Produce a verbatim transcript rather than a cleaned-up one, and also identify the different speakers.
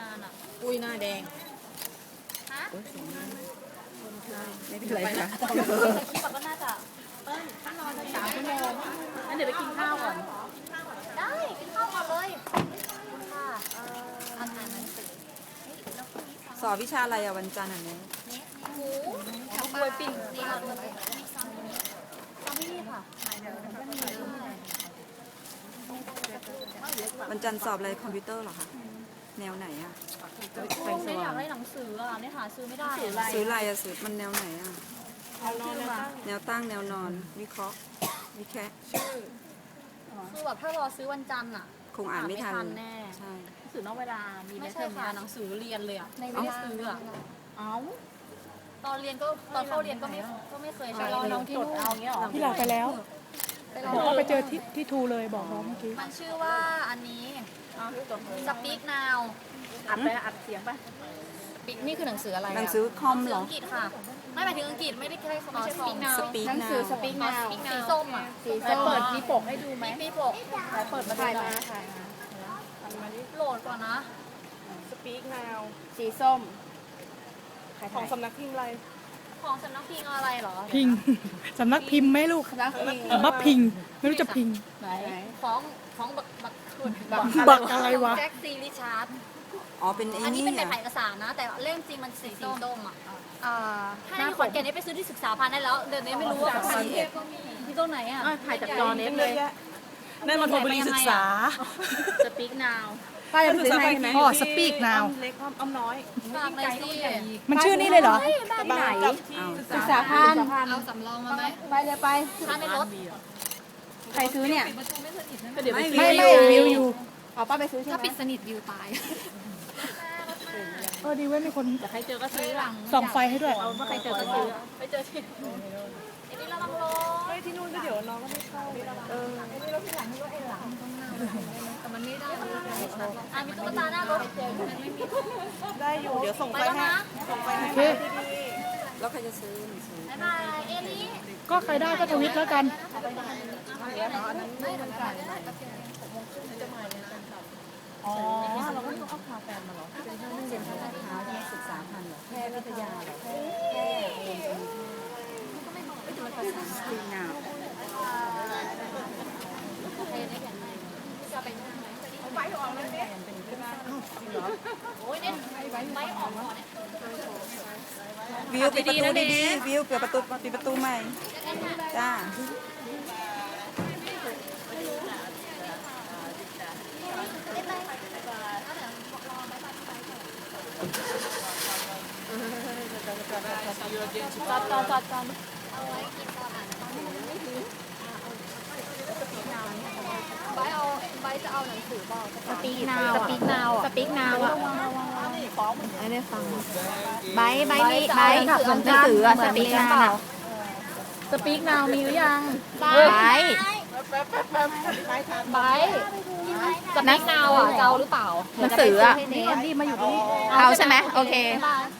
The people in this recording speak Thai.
Speaker 1: านอ่ะ
Speaker 2: อุ้ยหน้าแดง
Speaker 1: ฮะ
Speaker 2: ไม่เป็นไรค่ะ
Speaker 1: คลิปก็น่าจะ
Speaker 2: ถ้านอนสักสามชั่วโมงงั้นเดี๋ยวไปกินข้าวก่อน
Speaker 1: ได้กินข้าวก่อนเลยค่ะอ่านหนังสือ
Speaker 3: สอบวิชาอะไรอะวันจันทร์อันนี้
Speaker 1: หมูทำกล้วยปิ้งนี่ค่ะทำที่นี่ค่ะ
Speaker 3: วันจันทร์สอบอะไรคอมพิวเตอร์เหรอคะแนวไหนอะ
Speaker 1: ไม่อยากได้หนังสืออ่ะเนี่ยหาซื้อไม่ได้
Speaker 3: ซื้ออะไรอะซื้อมันแนวไหนอะแนวตั้งแนวนอน วิเคราะห์วิแคะ
Speaker 1: คือแบบถ้ารอซื้อวันจันทร์อ่ะ
Speaker 3: คงอ่านไม่ทัน
Speaker 1: แน่
Speaker 3: ใช่
Speaker 2: หนังสือนอกเวลา มี
Speaker 1: ไม่
Speaker 2: เท
Speaker 1: ใช่
Speaker 2: อม
Speaker 1: ค่ะ
Speaker 2: งาน
Speaker 1: หนังสือเรียนเลยอ่ะ
Speaker 2: ใน
Speaker 1: ไม่ได้ซื้ออ่ะ
Speaker 2: เอ้า
Speaker 1: ตอนเรียนก็ตอนเข้าเรียนก็ไม่ก็ไม่เคยใช้
Speaker 2: รอน้องที่นู่นเอาเงี้ยหรอ
Speaker 4: พี่ลาไปแล้ว
Speaker 1: ไปร
Speaker 4: บอกว่า
Speaker 1: อ
Speaker 4: ไปเจอที่ที่ทูเลยบอกน้องเมื่อกี้
Speaker 1: มันชื่อว่าอันนี้ Speak Now
Speaker 2: อัดไปอัดเสียงไป
Speaker 1: Speak นี่คือหนังสืออะไร
Speaker 3: หนังสือคอม
Speaker 1: ห
Speaker 3: เหรอ
Speaker 1: อังกฤษค่ะ ไม่หมายถึงอังกฤษไม่ได้แค่เขาไม่ใช่ Speak Now
Speaker 3: สปีก
Speaker 2: หนัง
Speaker 3: นา
Speaker 2: สือ
Speaker 3: ว
Speaker 2: สปีกนาว
Speaker 1: สีส้มอ่ะ
Speaker 2: สีส้มเปิดมีปกให้ดูไหม
Speaker 1: มีปก
Speaker 2: ถ่ายเปิดมาถ่ายมาถ่ายมา
Speaker 1: โหลดก่อนนะ
Speaker 2: สปีกนาวสีส้ม
Speaker 4: ของสำนักพิมพ์อะไร
Speaker 1: ของสำนักพิมพ์อะไรเหรอ
Speaker 4: พิง สำนักพิมพ์ไหมลูก
Speaker 2: นักพิง
Speaker 4: บับพิง ไม่รู้จะพิง
Speaker 2: ไหน
Speaker 1: ของของบักบักคุณ
Speaker 4: บักอะไรวะ
Speaker 1: แจ็คซีริชาร์ด
Speaker 3: อ๋อเป็นไอ้
Speaker 1: อันนี้
Speaker 3: นี่
Speaker 1: เป็นแบบ
Speaker 3: อะ
Speaker 1: ถ่ายเอกสารนะ แต่เล่มจริงมันสีส้มอ่ะ
Speaker 2: อ่า
Speaker 1: ถ้าในขอนแก่นนี่ไปซื้อที่ศึกษาพันธ์ได้แล้ว เดี๋ยวนี้ไม่รู้ว่าของที่ที่ต้นไหนอ่ะ
Speaker 2: ถ่ายจากจอเน็ตเลย
Speaker 4: นั่นมันโทรบริศึกษา
Speaker 2: สปีกนาวป้าจะไปซื้อให้ไหม
Speaker 4: อ๋อ Speak Now
Speaker 2: เล็กอ้อมน้อย
Speaker 1: ฝากหน่อยสิ
Speaker 4: มันชื่อนี้เลยเหรอ
Speaker 2: ที่ไหน
Speaker 3: อ้าว
Speaker 2: ศึกษาพันธ์
Speaker 1: เอาสำรองมาไหม
Speaker 2: ไปเลยไป
Speaker 1: ถ้าไม่ลด
Speaker 2: ใครซื้อเนี่ย
Speaker 3: ไม่
Speaker 4: ไม่
Speaker 3: วิ
Speaker 4: ไม่
Speaker 3: ว
Speaker 4: วิวอยู่
Speaker 2: เอาป้าไปซื้อใช่ไหม
Speaker 1: ถ้าปิดสนิทวิวตาย
Speaker 4: เออดีเว้ยมีคน
Speaker 2: ใครเจอก็ซื้อหลัง
Speaker 4: ส่องไฟให้ด้วย
Speaker 2: เอาใครเจอก็ซื้อ
Speaker 1: ไปเจอที่ไอ้นี่ระวังลง
Speaker 4: ที่นู่นก็เดี๋ยวน้องก็ไม่เข้า
Speaker 1: เออไอ้นี่รถที่หลังนี่รถไอ้หลังต้องนั่งแต่มันไม่ได้อ่ะมีตุ๊กตาหน้ารถมันไม่มี
Speaker 4: ได้อยู่ เดี๋ยวส่ง
Speaker 1: ไป
Speaker 4: ไฟ
Speaker 1: แล้ว
Speaker 4: ให้
Speaker 1: นะ
Speaker 4: โอเค
Speaker 3: แล้วใครจะซื้อหนังสือ
Speaker 1: บ๊ายบายเอลี่
Speaker 4: ก็ใครได้ก็ทวิตแล้วกัน
Speaker 2: อ๋อเราก็ต้องเอาพาแฟนมาเหรอ
Speaker 3: เซ็นทรัลลาดพร้าวที่ศึกษาพันธ์เหรอแพทย์วิทยาเหรอแพทย์แพทย์เองสปีกนาว
Speaker 1: โอ้ยเนี่ยไปออกก่อนเนี่ย
Speaker 3: วิวปิดประตูดีๆวิวเปิดประตูปิดประตูใหม่จ้า
Speaker 1: จอดจอดจอดจอดเอาไว้กินตอนอ่านใบเอาใบจะเอาหนังสือบอกสปีกนาวสปีกนาวสปีกนาวอ่ะไม่ได้ฟังใบใบมีใบหนังสือสปีกนาว
Speaker 2: สปีกนาวมีหรือยัง
Speaker 1: ใบใบสปีกนาวอ่ะจะเอาหรือเปล่า
Speaker 2: หนังสืออ่ะ
Speaker 1: นี่มาอยู่ตรงนี้
Speaker 2: เอาใช่ไหมโอเค
Speaker 1: บ๊ายบาย